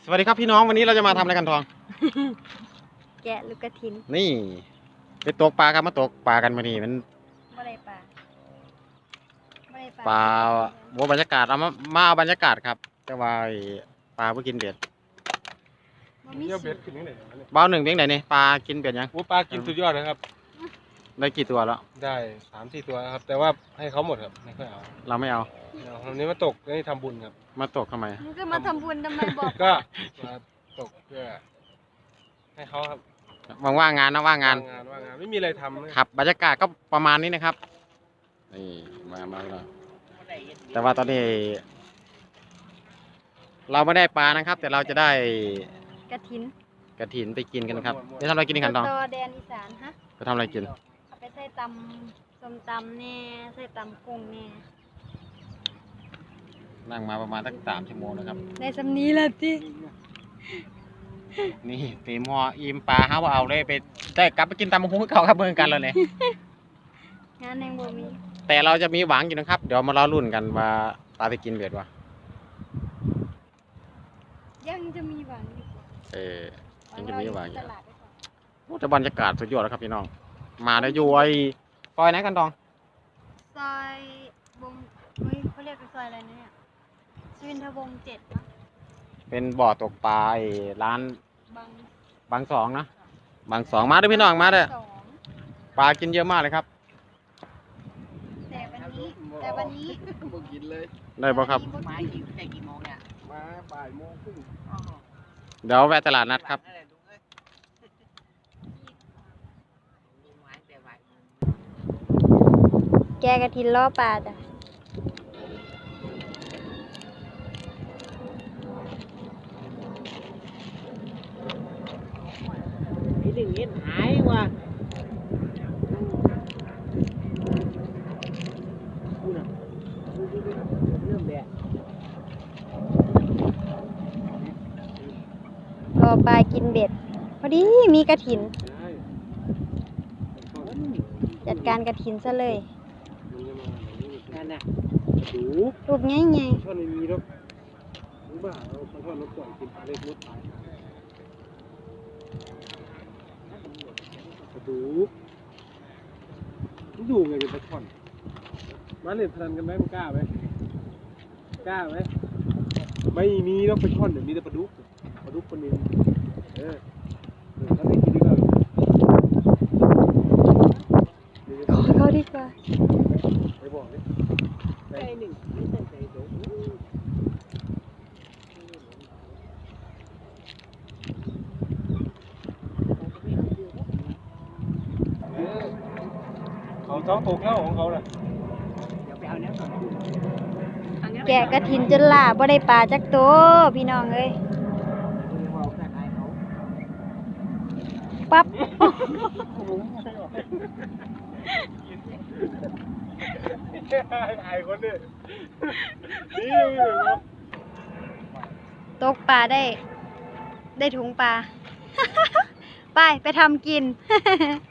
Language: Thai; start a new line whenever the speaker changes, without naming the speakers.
สวัสดีครับพี่น้องวันนี้เราจะมาทำอะไรกันทอง
แกะลูกกระถิน
นี่ไปตกปลาครับมาตกปลากันมานี่มัน
บ่ได้ปลาบ่ได้
ปลาวัวบรรยากาศเอาบรรยากาศครับแต่ว่าไอ้ปลาเพื่อกินเบ็ด
บ่มี
เยี่ยว
สู
เบ็
ต
ด
ร
ขึ้นยังไง
เบ้าหนึ่งเพียงไหนนี่ปลากินเบ็ดยัง
โอ้ปลากินสุดยอดนะครับ
ได้กี่ตัวแล้ว
ได้3-4 ตัวครับ แต่ว่าให้เขาหมดครับไม่ค่อยเอา
เราไม่เอา
วันนี้มาตกนี่ทำบุญครับ
มาตกทำไม
มึงก็มาทำบุญทำไมบอก
ก็มาตกเพื่อให้เขาครับ
ว่างๆงานนะว่างงาน
ว่างงานไม่มีอะไรทำนะครับ
บรรยากาศก็ประมาณนี้นะครับนี่มาแล้วแต่ว่าตอนนี้ เราไม่ได้ปลานะครับ แต่เราจะได้
กระถิน
กระถินไปกินกันครับไปทำอะไรกินกันทอง
ตอแดนอีสานฮะ
ไปทำอะไรกิน
เอาไปใส่ตำส้มตำแน่ใส่ตำกุ้งแน่
นั่งมาประมาณสัก3 ชั่วโมงนะครับ
ได้สำนี้ละติ
นี่ตีมห่ออิ่มปลาเขาเอาเลยไปได้กลับไปกินตามมุ้งเขาครับเมืองกันแล้วเนี่ย
งานแห่งบ่มี
แต่เราจะมีหวังอยู่นะครับ เดี๋ยวมารอรุ่นกันว่าปลาไปกินเบ็ดวะ
ยังจะมีหวังอีก
ยังจะมีหวังอยู่
ตลาดไปก่อน
โอ้แต่บรรยากาศสุดยอดแล้วครับพี่น้องมาได้อยู่ไอ้ซอยไหนกันตอง
ซอยวงเฮ้ยเขาเรียกเป็นซอยอะไรนะเนี่ยสุวินทวงศ์7มั้ง
เป็นบ่อตกปลาไอ้ร้าน
บาง
บางสองนะบางสองมาด้วยพี่น้องมาด้วย
สอง
ปลากินเยอะมากเลยครับ
แต่วันนี้
บ่กินเลย
ได้ป่ะครับ
มากี่แต่กี่โมงเนี่ย
มาบ่ายโมงครึ่ง
เดี๋ยวแวะตลาดนัดครับ
นั่นแหละลุงเอ้ยมีไม้แต่บ่ายโมง
แกกระถินล่อปลาจ้ะ
ไอ้หนึ่งเงี้ยหายว่ะกูน่ะเริ่มแดด
รอปลากินเบ็ด พอดีมีกระถิน
ได้
จัดการกระถินซะเลย
นั่นน่ะ
ดู
รูปง่าย
ช่อนไม่มีหรอกรู้บ้าเราช่อนเราปล่อยกินปลาเล็กมดตายดูดูไงเป็นปลาช่อนมาเล่นพนันกันไหมมึงกล้าไหมกล้าไหมไม่มีหรอกปลาช่อนเนี่ยมีแต่ปลาดุกคนนึงถ้าไม่กินดีกว่า
ๆขอเขาดีกว่า
ไปบอกเลย
ไอ้หนึ่งไม่ใส่ใจสูง
เขาท้องตกแล้วของเขาน่ะ
เดี๋ยวไปเอาเนื้อก่อน
แกะกระถินจนล่าบ่ได้ปลาจักตัวพี่น้องเอ้ย ปั๊บ
ไอ้คนนี้นี่
ตกปลาได้ถุงปลา ไปทำกิน